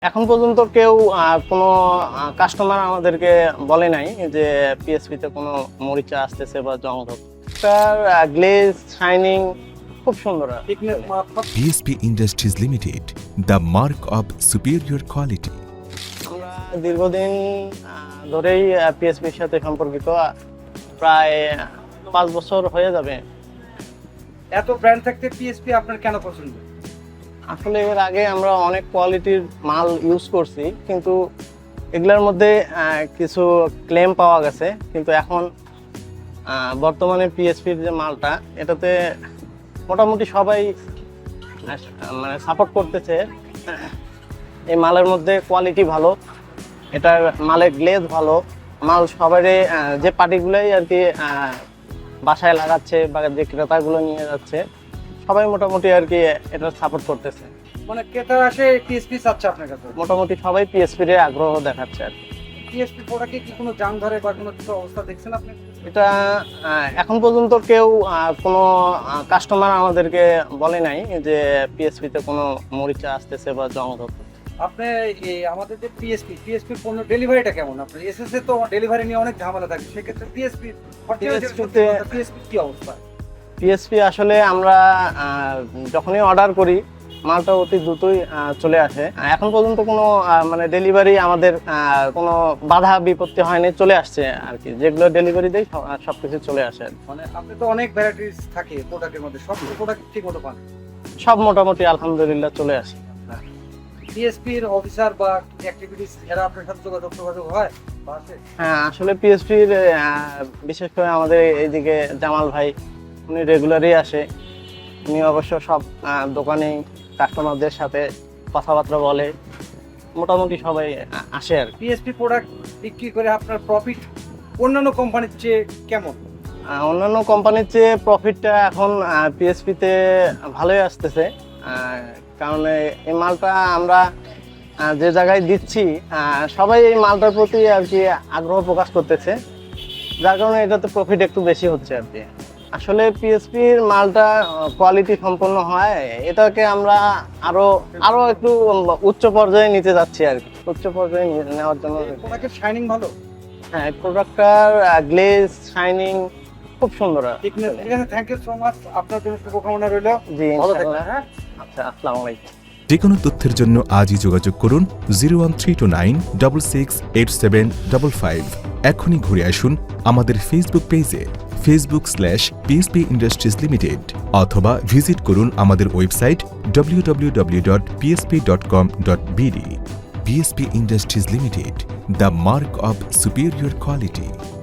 এখন পর্যন্ত কেউ কোনো কাস্টমার আমাদেরকে বলে নাই যে পিএসপিতে কোনো মরিচা আসতেছে বা জং ধরছে। তার গ্লেজ শাইনিং খুব সুন্দর। PSP Industries Limited, the mark of superior quality. আমরা দীর্ঘদিন ধরেই পিএসপির সাথে সম্পর্কিত, প্রায় 5 বছর হয়ে যাবে। এত ব্র্যান্ড থাকতে পিএসপি আপনার কেন পছন্দ? আসলে এর আগে আমরা অনেক কোয়ালিটির মাল ইউজ করছি, কিন্তু এগুলোর মধ্যে কিছু ক্লেম পাওয়া গেছে। কিন্তু এখন বর্তমানে পিএসপির যে মালটা, এটাতে মোটামুটি সবাই মানে সাপোর্ট করতেছে। এই মালের মধ্যে কোয়ালিটি ভালো, এটার মালের গ্লেজ ভালো, মাল সবারই যে পার্টিগুলোই আর কি বাসায় লাগাচ্ছে বা যে ক্রেতাগুলো নিয়ে যাচ্ছে, সবাই মোটামুটি আর কি এটা সাপোর্ট করতেছে। মানে ক্রেতারা আসে পিএসপি চাচ্ছে আপনার কাছে? মোটামুটি সবাই পিএসপির আগ্রহ দেখাচ্ছে আর কি। পিএসপি প্রোডাক্টে কি কোনো জাম ধরে বা কোনো কিছু অবস্থা দেখছেন আপনি? এটা এখন পর্যন্ত কেউ কোনো কাস্টমার আমাদেরকে বলে নাই যে পিএসপিতে কোনো মরিচা আসতেছে বা জং ধরছে। আপনি আমাদের যে পিএসপি পণ্য ডেলিভারিটা কেমন? আপনার এসএসএ তো ডেলিভারি নিয়ে অনেক ঝামেলা থাকে, সেক্ষেত্রে পিএসপি কি অবস্থা? পিএসপি আসলে আমরা যখনই অর্ডার করি মালটা অতি দ্রুতই চলে আসে। এখন পর্যন্ত কোনো মানে ডেলিভারি আমাদের কোনো বাধা বিপত্তি হয়নি, চলে আসছে আর কি। যেগুলো ডেলিভারি দেয় সবকিছু চলে আসে। মানে আপনি তো অনেক ভ্যারাইটিস থাকে প্রোডাক্টের মধ্যে, সব প্রোডাক্ট ঠিক মতো পান? সব মোটামুটি আলহামদুলিল্লাহ চলে আসে। পিএসপির অফিসার বা অ্যাক্টিভিটিস এরা আপনার সাথে যোগাযোগ হয়? হ্যাঁ, আসলে পিএসপির বিশেষ করে আমাদের এইদিকে জামাল ভাই, উনি রেগুলারই আসে। উনি অবশ্য সব দোকানেই কাস্টমারদের সাথে কথাবার্তা বলে, মোটামুটি সবাই আসে আর কি। পিএসপি প্রোডাক্ট বিক্রি করে আপনার প্রফিট অন্যান্য কোম্পানির চেয়ে কেমন? অন্যান্য কোম্পানির চেয়ে প্রফিটটা এখন পিএসপিতে ভালোই আসতেছে, কারণ এই মালটা আমরা যে জায়গায় দিচ্ছি সবাই এই মালটার প্রতি আর কি আগ্রহ প্রকাশ করতেছে, যার কারণে এটাতে প্রফিট একটু বেশি হচ্ছে আর কি। আসলে পিএসপির মালটা কোয়ালিটি সম্পন্ন হয়, এটাকে আমরা আরো একটু উচ্চ পর্যায়ে নিতে যাচ্ছি আর কি। উচ্চ পর্যায়ে নেওয়ার জন্য প্রোডাক্টের শাইনিং ভালো? হ্যাঁ, প্রোডাক্টটার গ্লেজ শাইনিং খুব সুন্দর। ঠিক আছে, থ্যাংক ইউ সো মাচ। আপনার জন্য শুভকামনা রইল। জি, ভালো ইনশাআল্লাহ। থাকবেন। হ্যাঁ, আচ্ছা, আসসালামু আলাইকুম। যে কোনো তথ্যের জন্য আজই যোগাযোগ করুন 01329 668755। এখনই ঘুরে আসুন আমাদের ফেসবুক পেজে facebook/PSP Industries Limited, অথবা ভিজিট করুন আমাদের website www.psp.com.bd। PSP Industries Limited, the mark of superior quality.